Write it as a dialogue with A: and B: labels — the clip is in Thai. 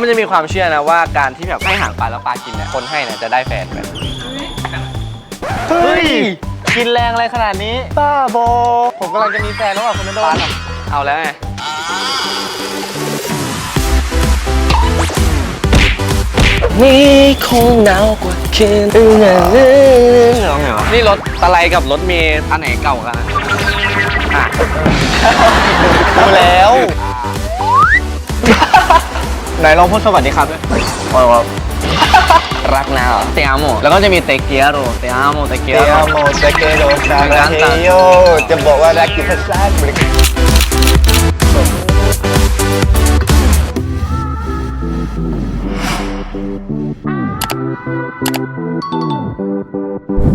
A: จะมีความเชื่อนะว่าการที่แบบให้อาหารปลาแล้วปลากินเนี่ยคนให้เนี่ยจะได้แฟนแบบเฮ้ยกินแรงอะไรขนาดนี้บ้าบอผมกำลังจะมีแฟนแล้วอ่ะคุณนนท์เอาแล้วไงนี่คงหนาวกว่าคืนอื่นร้องไงวะนี่รถตะไลกับรถเมล์อันไหนเก่ากันอ่ะดูแล้วไหนลองพูดสวัสดีครับด้วยรักนะเตียโมแล้วก็จะมีเตเกียโรเตียโมเตเกียโร
B: เตเกโรซาราเฮโยจะบอกว่ารักกินภาษาอังกฤษ